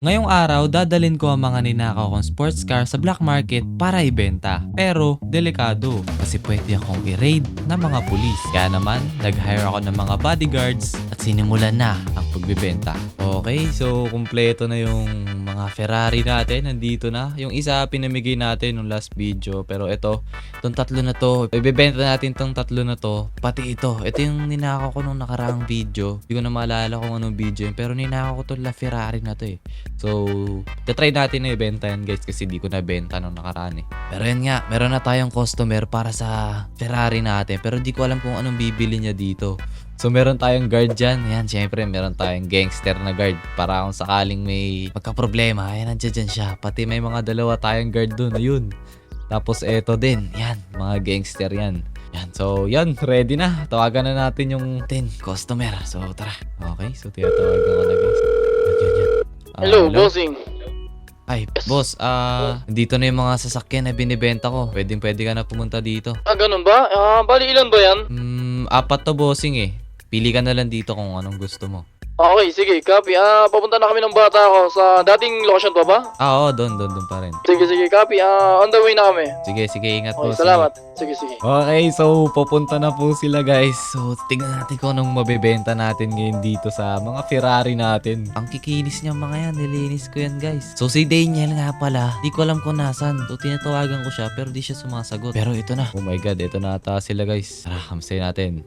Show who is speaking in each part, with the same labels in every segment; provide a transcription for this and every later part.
Speaker 1: Ngayong araw, dadalin ko ang mga ninakaw kong sports car sa black market para ibenta. Pero, delikado kasi pwede akong i-raid ng mga pulis. Kaya naman, nag-hire ako ng mga bodyguards at sinimulan na ang pagbibenta. Okay, so kumpleto na yung mga Ferrari natin. Nandito na. Yung isa pinamigay natin nung last video. Pero itong tatlo na to, ibibenta natin tong tatlo na to. Pati ito. Ito yung ninakaw ko nung nakaraang video. Hindi ko na maalala kung anong video yun. Pero ninakaw ko to la Ferrari na to eh. So, try natin na ibenta yan guys kasi di ko nabenta nung nakaraan eh. Pero yan nga, meron na tayong customer para sa Ferrari natin. Pero di ko alam kung anong bibili niya dito. So, meron tayong guard dyan. Yan, syempre, meron tayong gangster na guard. Para kung sakaling may magka-problema, ayan, nandiyan dyan siya. Pati may mga dalawa tayong guard dun. Ayun. Tapos, eto din. Yan, mga gangster yan. Yan, so, yan, ready na. Tawagan na natin yung 10 customer. So, tara. Okay, so, tinatawagan ko na guys. Yan.
Speaker 2: Hello, bossing.
Speaker 1: Ay, boss, dito na yung mga sasakyan na binibenta ko. Pwede ka na pumunta dito.
Speaker 2: Ganun ba? Bali ilan ba yan?
Speaker 1: 4 to bossing eh. Pili ka na lang dito kung anong gusto mo.
Speaker 2: Okay, sige, copy. Papunta na kami ng bata ko sa dating location pa ba?
Speaker 1: Oo, doon pa rin.
Speaker 2: Sige, copy. On the way na kami.
Speaker 1: Sige, ingat
Speaker 2: Okay,
Speaker 1: boss.
Speaker 2: salamat. Sige.
Speaker 1: Okay, so pupunta na po sila guys. So tingnan natin kung anong mabebenta natin ngayon dito sa mga Ferrari natin. Ang kikinis niya mga yan, nilinis ko yan guys. So si Daniel nga pala, di ko alam kung nasan. So tinatawagan ko siya pero di siya sumasagot. Pero ito na. Oh my god, ito na ata sila guys. Tara, kamsay natin.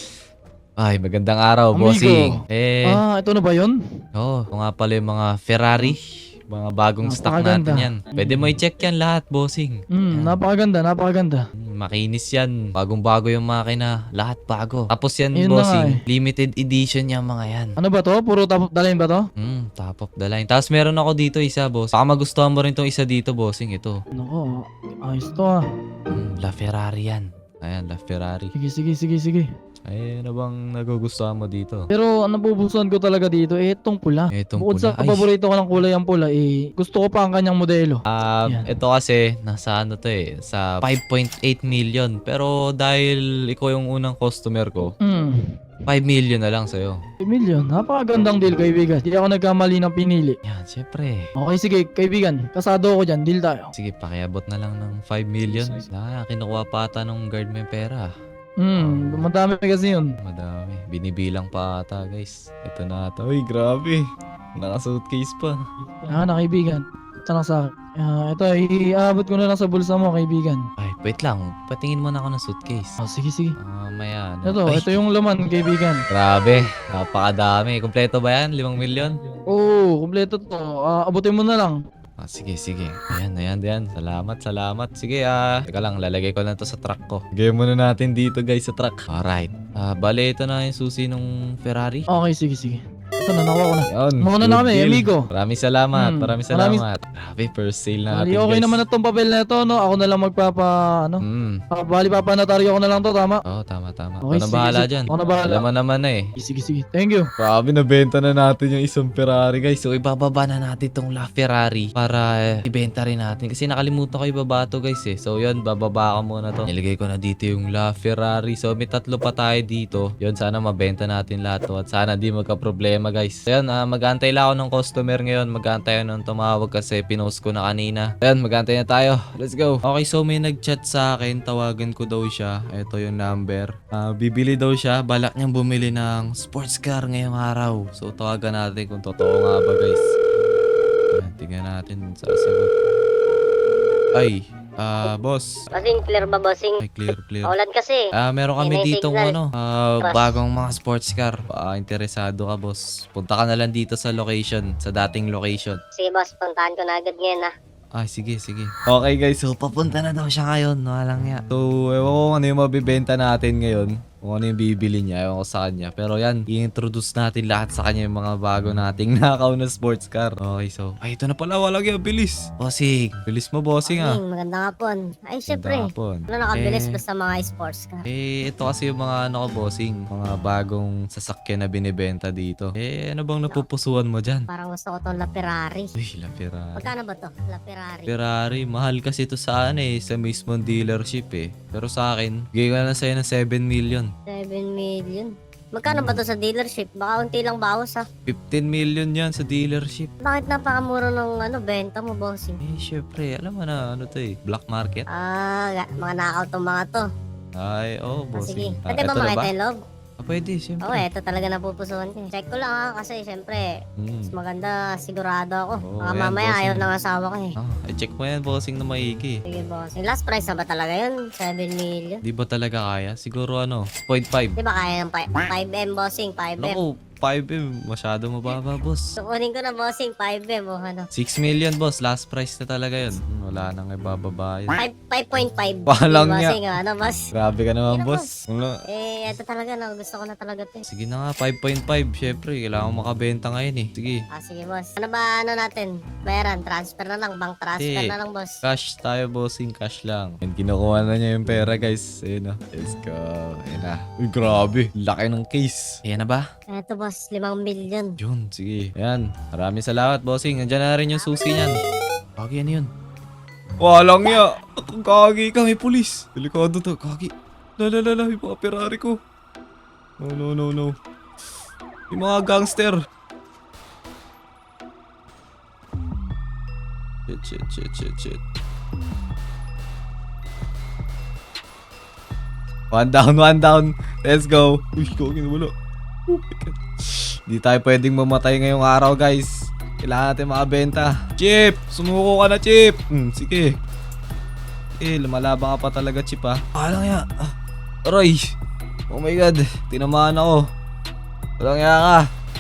Speaker 1: Ay, magandang araw,
Speaker 2: Amigo.
Speaker 1: bossing.
Speaker 2: Ito na ba yun?
Speaker 1: Ito nga pala yung mga Ferrari. Mga bagong stock
Speaker 2: Napakaganda.
Speaker 1: natin yan. Pwede mo i-check yan lahat, bossing.
Speaker 2: Napakaganda.
Speaker 1: Makinis yan. Bagong-bago yung makina. Lahat bago. Tapos yan,
Speaker 2: Yun na nga
Speaker 1: bossing. Limited edition yung mga yan.
Speaker 2: Ano ba to? Puro top of the line ba to?
Speaker 1: Top of the line. Tapos meron ako dito isa, boss. Baka magustuhan mo rin tong isa dito, bossing. Ito.
Speaker 2: Nako, ayos to
Speaker 1: La Ferrari yan. Ayan, La Ferrari.
Speaker 2: Sige.
Speaker 1: Ay, ano bang nagugustuhan mo dito?
Speaker 2: Pero ang napupusuan ko talaga dito, itong pula.
Speaker 1: Itong
Speaker 2: Bukod
Speaker 1: pula.
Speaker 2: sa paborito ko ng kulay ang pula, gusto ko pa ang kanyang modelo. Yan.
Speaker 1: Ito kasi, nasa ano to eh, sa 5.8 million. Pero dahil ikaw yung unang customer ko, 5 million na lang sa'yo.
Speaker 2: 1 million. Napakagandang deal, kaibigan. Hindi ako nagkamali ng pinili.
Speaker 1: Yan, syempre.
Speaker 2: Okay, sige, kaibigan. Kasado ako dyan. Deal tayo.
Speaker 1: Sige, pakiabot na lang ng 5 million. Kinukuha pa ata ng guard mo yung pera.
Speaker 2: Madami kasi yun.
Speaker 1: Madami. Binibilang pa ata, guys. Ito na ata. Uy, grabe. Naka-suitcase pa.
Speaker 2: Na kaibigan. Ito lang sa akin. Ito, iabot ko na lang sa bulsa mo, kaibigan.
Speaker 1: Ay, wait lang. Patingin mo na ako ng suitcase.
Speaker 2: Sige.
Speaker 1: Maya.
Speaker 2: Ito yung laman, kaibigan.
Speaker 1: Grabe. Napakadami. Kompleto ba yan? 5 million?
Speaker 2: Oo, kumpleto to. Abutin mo na lang.
Speaker 1: Sige. Ayan. Salamat. Sige, teka lang, lalagay ko na to sa truck ko. Lagay muna natin dito, guys, sa truck. Alright. Bale, ito na yung susi ng Ferrari.
Speaker 2: Okay, sige. Ito na, nakuha ko na.
Speaker 1: Yun.
Speaker 2: Mauna na
Speaker 1: good
Speaker 2: kami,
Speaker 1: deal.
Speaker 2: amigo.
Speaker 1: Maraming salamat. Grabe, first sale na natin,
Speaker 2: Okay
Speaker 1: guys.
Speaker 2: naman na tong papel na ito, no? Ako na lang bali papanataryo ko na lang to, tama?
Speaker 1: Oo, tama.
Speaker 2: Okay,
Speaker 1: Ako na bahala
Speaker 2: sige.
Speaker 1: dyan.
Speaker 2: Ako na bahala.
Speaker 1: Alam mo naman na eh.
Speaker 2: Sige. Thank you.
Speaker 1: Grabe, nabenta na natin yung isang Ferrari, guys. So, ibababa na natin tong La Ferrari para ibenta rin natin. Kasi nakalimutan ko ibaba to, guys eh. So, yun, bababa ko muna to. Nilagay ko na dito yung La Ferrari. So, may 3 pa tayo dito. Yun, sana mabenta natin lahat to. At sana di magka-problema, guys. So, yun, mag-aantay lang ako ng customer ngayon. Mag-aantay ako nung tumawag kasi pinost ko na kanina. Ayun, mag-aantay na tayo. Let's go. Okay, so may nag-chat sa akin. Tawagan ko daw siya. Ito yung number. Bibili daw siya. Balak niyang bumili ng sports car ngayong araw. So, tawagan natin kung totoo nga ba, guys. Ayan, tingnan natin. Sasagot. Ay, boss.
Speaker 3: Bossing, clear ba, bossing?
Speaker 1: Ay, clear.
Speaker 3: Ulan kasi.
Speaker 1: Meron kami
Speaker 3: Yun ang
Speaker 1: ditong
Speaker 3: signal.
Speaker 1: bagong mga sports car. Interesado ka, boss. Punta ka na lang dito sa location, sa dating location.
Speaker 3: Sige, boss, puntahan ko na agad ngayon,
Speaker 1: Ay, sige. Okay, guys. So, papunta na daw siya ngayon. Walang ya. So, ewan ko kung ano yung mabibenta natin ngayon. Kung ano yung bibili niya. Ewan ko sa kanya. Pero yan, i-introduce natin lahat sa kanya yung mga bago nating nakaw na sports car. Okay, so. Ay, ito na pala. Walang ya. Bilis. Bossing. Bilis mo, bossing ah.
Speaker 3: Magandang hapon. Ay, syempre.
Speaker 1: Magandang hapon.
Speaker 3: Ano nakabilis ba sa mga sports car?
Speaker 1: Ito kasi yung mga ano ko, bossing. Mga bagong sasakyan na binibenta dito. Ano bang napupusuan mo dyan?
Speaker 3: Parang gusto ko tong La Ferrari.
Speaker 1: Uy, La Ferrari.
Speaker 3: Magkano ba to? La Ferrari.
Speaker 1: Ferrari, mahal kasi ito sa sa mismong dealership eh. Pero sa akin, bigay ko na lang sa'yo ng 7 million.
Speaker 3: 7 million. Magkano ba to sa dealership? Baka unti lang bawas ha.
Speaker 1: 15 million yan sa dealership.
Speaker 3: Bakit napakamura ng benta mo, bossing?
Speaker 1: Eh, syempre, alam mo na, ano to eh, black market.
Speaker 3: Mga nakaw tong mga to.
Speaker 1: Ay, oh,
Speaker 3: Sige.
Speaker 1: bossing.
Speaker 3: Pwede ba
Speaker 1: eto na
Speaker 3: makita yung loob?
Speaker 1: Pwede, syempre.
Speaker 3: Oo, eto talaga napupusuan ko. Check ko lang ha, kasi syempre, mas maganda sigurado ako.
Speaker 1: Oo,
Speaker 3: Baka
Speaker 1: yan,
Speaker 3: mamaya
Speaker 1: bossing.
Speaker 3: ayaw ng asawa ko eh.
Speaker 1: Check mo yan, bossing na maigi.
Speaker 3: Sige, bossing. Last price na ba talaga yun? 7 million?
Speaker 1: Di ba talaga kaya? Siguro ano, 0.5.
Speaker 3: Di ba kaya ng 5M, bossing? 5M.
Speaker 1: Naku, 5M, masyado mababa, boss.
Speaker 3: So, kunin ko na, bossing, 5M o ano.
Speaker 1: 6 million, boss. Last price na talaga yun. Wala nang ibababa yun.
Speaker 3: 5.5.
Speaker 1: Walang niya.
Speaker 3: Bossing, ano, boss?
Speaker 1: Grabe ka naman,
Speaker 3: Hindi na,
Speaker 1: boss. Wala.
Speaker 3: Ito talaga, no? Gusto ko na talaga to.
Speaker 1: Sige na nga, 5.5. Syempre, kailangan makabenta ngayon eh. Sige.
Speaker 3: Sige, boss. Ano ba, natin? Bayaran, transfer na lang. Bank transfer
Speaker 1: Hindi.
Speaker 3: na lang, boss.
Speaker 1: Cash tayo, bossing. Cash lang. And kinukuha na niya yung pera, guys. Ayun na. Let's go. Ayun na. Uy, grabe. Laki ng case. Ayan na ba?
Speaker 3: Ito, boss. 5 million.
Speaker 1: Yun, sige. Ayan. Maraming salamat, bossing. Andiyan na rin yung susi niyan. Kagi, ano yun? Walang niya. Kagi ka, may pulis. Delikado to. Kagi. Lalalala, yung mga Ferrari ko. No. Yung mga gangster. Shit. One down. Let's go. Uy, kagi na wala. Oh my God. Di tayo pwedeng mamatay ngayong araw, guys. Kailangan natin makabenta. Chip! Sumuko ka na, Chip! Sige. Lumalabang ka pa talaga, Chip, ha? Alang ya. Aray! Oh my God. Tinamaan ako. Alang ya ka.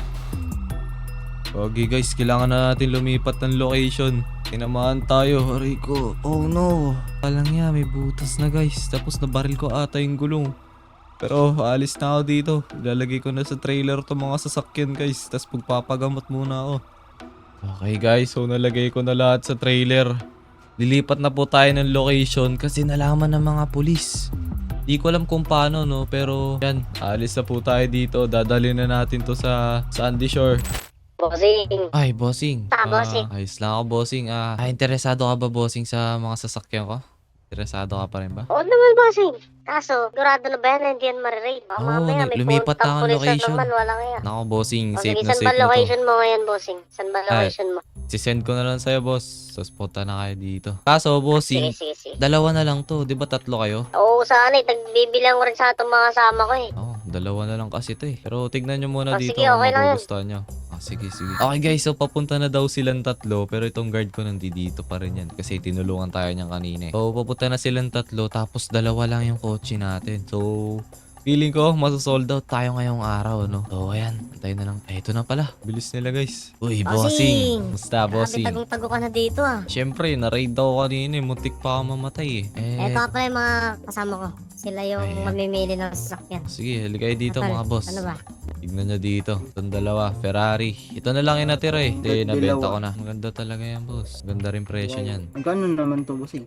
Speaker 1: Okay, guys. Kailangan na natin lumipat ng location. Tinamaan tayo. Aray ko. Oh no. Alang ya. May butas na, guys. Tapos nabaril ko ata yung gulong. Pero alis na ako dito. Ilalagay ko na sa trailer to mga sasakyan, guys. Tapos pagpapagamot muna ako. Okay, guys. So nalagay ko na lahat sa trailer. Lilipat na po tayo ng location kasi nalaman ng mga pulis. Di ko alam kung paano, no? Pero yan, alis na po tayo dito. Dadalhin na natin to sa Sandy Shore.
Speaker 3: Bossing.
Speaker 1: Ay, bossing.
Speaker 3: Bossing.
Speaker 1: Ayos lang ako, bossing. Interesado ka ba, bossing, sa mga sasakyan ko? Interesado ka pa rin ba?
Speaker 3: Oo naman, bossing. Kaso, sigurado na ba yan? Hindi yan marirate. Baka
Speaker 1: Oo,
Speaker 3: mamaya may
Speaker 1: lumipat na
Speaker 3: puntang
Speaker 1: ang
Speaker 3: pulis na
Speaker 1: location.
Speaker 3: naman. Walang yan.
Speaker 1: Nako, bossing. Safe
Speaker 3: Sige,
Speaker 1: na
Speaker 3: saan
Speaker 1: safe
Speaker 3: ba
Speaker 1: na to.
Speaker 3: location mo ngayon, bossing? Saan ba location mo?
Speaker 1: Sisend ko na lang sa'yo, boss. Tapos punta na kayo dito. Kaso, bossing,
Speaker 3: Sige.
Speaker 1: dalawa na lang to. Di ba tatlo kayo?
Speaker 3: Oo, sana eh. Tagbibilang ko rin sa itong mga kasama ko eh.
Speaker 1: Oo, dalawa na lang kasi to eh. Pero tignan nyo muna dito
Speaker 3: Sige,
Speaker 1: kung
Speaker 3: okay lang yan.
Speaker 1: magugustuhan nyo. Sige. Okay guys, so papunta na daw silang tatlo. Pero itong guard ko nandito pa rin yan. Kasi tinulungan tayo niyan kanina eh. So papunta na silang tatlo. Tapos dalawa lang yung kotse natin. So feeling ko masasold out tayo ngayong araw, no? So ayan, antayin na lang. Ito na pala. Bilis nila guys. Uy, bossing. Musta, bossing?
Speaker 3: Tagong-tago ka na dito ah.
Speaker 1: Siyempre, na-raid daw kanina eh. Muntik pa ako mamatay eh.
Speaker 3: Ito ka pala yung mga kasama ko. Sila yung
Speaker 1: Ayan.
Speaker 3: mamimili ng sasakyan.
Speaker 1: Sige, haligay dito
Speaker 3: Tol,
Speaker 1: mga boss.
Speaker 3: Ano ba?
Speaker 1: Tignan nyo dito. Itong dalawa, Ferrari. Ito na lang yung natira eh. Hindi, nabenta ko na. Ang ganda talaga yan, boss. Ganda rin presyo niyan.
Speaker 4: Magkano naman to, bossing?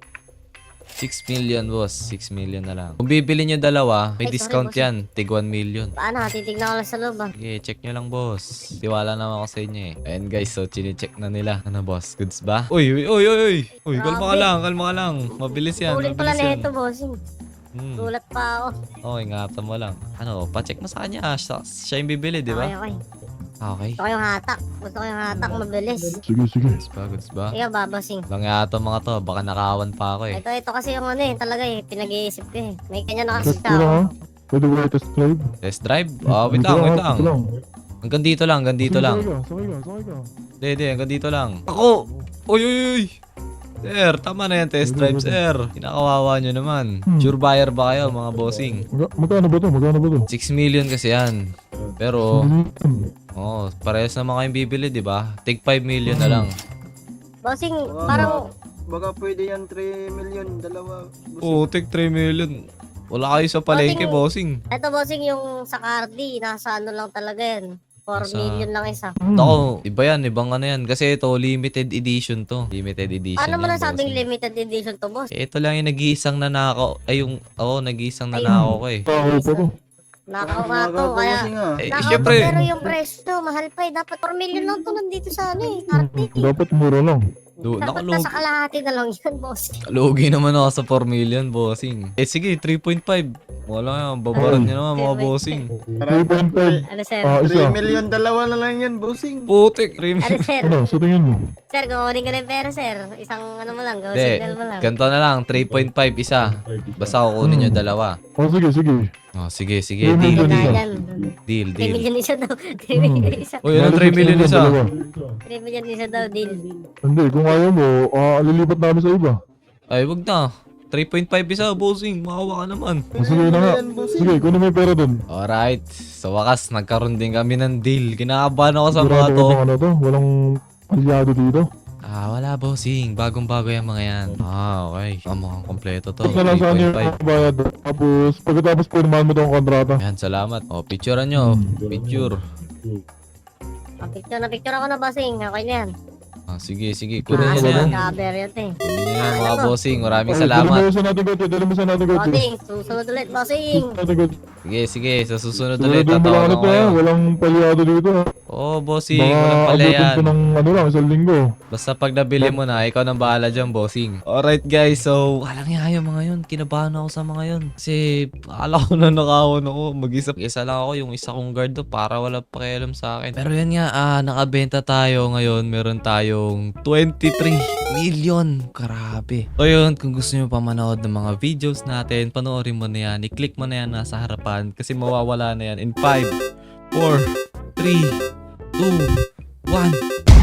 Speaker 1: 6 million, boss. 6 million na lang. Kung bibili nyo dalawa, may
Speaker 3: Ay, sorry,
Speaker 1: discount
Speaker 3: boss.
Speaker 1: yan. Tig 1 million.
Speaker 3: Paano? Titignan ko lang sa loob ah.
Speaker 1: Sige, check nyo lang, boss. Tiwala naman ako sa inyo eh. Ayan guys, so chine-check na nila. Ano, boss? Goods ba? Uy! Uy, kalma ka lang. Mabilis yan,
Speaker 3: Ulit pala
Speaker 1: mabilis
Speaker 3: na
Speaker 1: yan.
Speaker 3: ito, bossing. Gulat pa ako.
Speaker 1: Okay, ingatan mo lang. Ano, pa-check mo sa kanya. Siya yung bibili, di ba?
Speaker 3: Okay.
Speaker 1: Okay.
Speaker 3: Gusto ko yung hatak. Gusto ko yung hatak mabilis.
Speaker 1: Goods ba?
Speaker 3: Ikaw ba, bossing?
Speaker 1: Lang yata mga to, baka nakawan pa ako eh.
Speaker 3: Ito kasi yung ano eh, talaga eh, pinag-iisip ko eh. May kanya na kasi
Speaker 5: Test ko lang ha.
Speaker 3: tao.
Speaker 5: Pwede ba i test drive?
Speaker 1: Test drive? Wait lang. Hanggang dito lang.
Speaker 5: Sakay ka.
Speaker 1: Hindi, hanggang dito lang. Ako! Uy! Sir, tama na yan, test drive, sir. Kinakawawa nyo naman. Sure buyer ba kayo, mga bossing?
Speaker 5: Magkano ba to?
Speaker 1: 6 million kasi yan. Pero, parehas naman kayong bibili, di ba? Take 5 million na lang.
Speaker 3: Bossing, parang
Speaker 4: Baka pwede yan 3 million, dalawa.
Speaker 1: Take 3 million. Wala kayo sa palengke, bossing.
Speaker 3: ito bossing yung sa Cardi, nasa ano lang talaga yan. 4
Speaker 1: Nasa-
Speaker 3: million lang isa.
Speaker 1: Ako, iba yan, ibang ano yan. Kasi ito, limited edition to. Limited edition
Speaker 3: Ano mo
Speaker 1: yan,
Speaker 3: nasabing
Speaker 1: bossing.
Speaker 3: limited edition to, boss?
Speaker 1: Ito lang yung nag-iisang nanakaw. Ay, nag-iisang nanakaw ko eh.
Speaker 5: Tao pa to.
Speaker 3: Nakaw nga to, kaya...
Speaker 1: Eh,
Speaker 3: Nakaw to,
Speaker 1: syempre.
Speaker 3: pero yung presyo, mahal pa eh. Dapat 4 million lang to nandito sa ano eh, Cardi.
Speaker 5: Dapat mura lang.
Speaker 3: Dapat
Speaker 1: Nakalog.
Speaker 3: nasa kalahati na lang yun, boss.
Speaker 1: Lugi naman ako sa 4 million, bossing. Eh sige, 3.5. Wala yan, babaran niya naman mga bossing.
Speaker 5: 3.5.
Speaker 3: Ano, sir?
Speaker 5: Ah,
Speaker 4: 3
Speaker 5: isa.
Speaker 4: million, dalawa na lang yan, bossing.
Speaker 1: Putik,
Speaker 3: Ano, sir?
Speaker 5: Ano, sa tingin mo?
Speaker 3: Sir, kukunin ko na yung pera, sir. Isang ano mo lang, go
Speaker 1: Hindi,
Speaker 3: signal mo lang.
Speaker 1: ganito na lang, 3.5 isa. Basta kukunin nyo dalawa.
Speaker 5: Oh, sige, sige.
Speaker 1: Oh, sige, sige,
Speaker 5: Three
Speaker 1: deal,
Speaker 5: million
Speaker 3: Kaya
Speaker 1: deal,
Speaker 3: yan.
Speaker 1: deal,
Speaker 3: 3
Speaker 1: deal.
Speaker 3: million isa daw. 3 million isa.
Speaker 1: Uy, ano 3 million isa?
Speaker 5: Dalawa.
Speaker 3: 3 million isa daw, deal.
Speaker 5: Hindi, kung ayaw mo, lilipat namin sa iba.
Speaker 1: Ay, wag na. 3.5 isa, bossing. Makawa ka naman.
Speaker 5: Oh, sige na nga.
Speaker 4: Yan, bossing.
Speaker 5: Sige, kunin mo yung pera dun.
Speaker 1: Alright. Sa wakas, nagkaroon din kami ng deal. Kinakabahan ako sa mga
Speaker 5: Sigurado
Speaker 1: to.
Speaker 5: ka bang ano to? Walang aliado dito.
Speaker 1: Wala, bossing. Bagong-bago yung mga yan. Okay. Mukhang kompleto to.
Speaker 5: Tapos na lang saan yung
Speaker 1: 3.5.
Speaker 5: bayad. Tapos, pagkatapos pirmahan mo tong kontrata.
Speaker 1: Yan, salamat. O, picturean nyo. Picture.
Speaker 3: Picture ako na, bossing. Okay na yan.
Speaker 1: Sige, sige. Kunin nyo na
Speaker 5: Ano?
Speaker 1: yan.
Speaker 3: Cover yun, eh.
Speaker 1: Kunin nyo yan, mga bossing. Maraming
Speaker 5: Dali
Speaker 1: salamat.
Speaker 5: mo sa natin kotse, dali mo sa natin kotse.
Speaker 3: Bossing, susunod ulit, bossing.
Speaker 5: Natin kotse.
Speaker 1: Sige, sige. Sa susunod ulit,
Speaker 5: Sigurado mo lang
Speaker 1: tatawagan
Speaker 5: ano
Speaker 1: ko
Speaker 5: to ha,
Speaker 1: kayo.
Speaker 5: walang paliado dito ha.
Speaker 1: Oo, bossing.
Speaker 5: Baka
Speaker 1: Walang pala
Speaker 5: abutin
Speaker 1: yan.
Speaker 5: ko ng ano lang, isang linggo.
Speaker 1: Basta pag nabili mo na, ikaw nang bahala dyan, bossing. Alright guys, so walang nga yung mga yun. Kinabahan ako sa mga yun. Kasi akala ko na nakawan ako. Mag-isa lang ako, yung isa kong guard to para wala pakialam sa akin. Pero yan nga, nakabenta tayo ngayon. Meron tayong 23 million. Grabe. So yun, kung gusto nyo pa manood ng mga videos natin, panoorin mo na yan. I-click mo na yan nasa harapan kasi mawawala na yan in 5, 4, 3, 2, 1.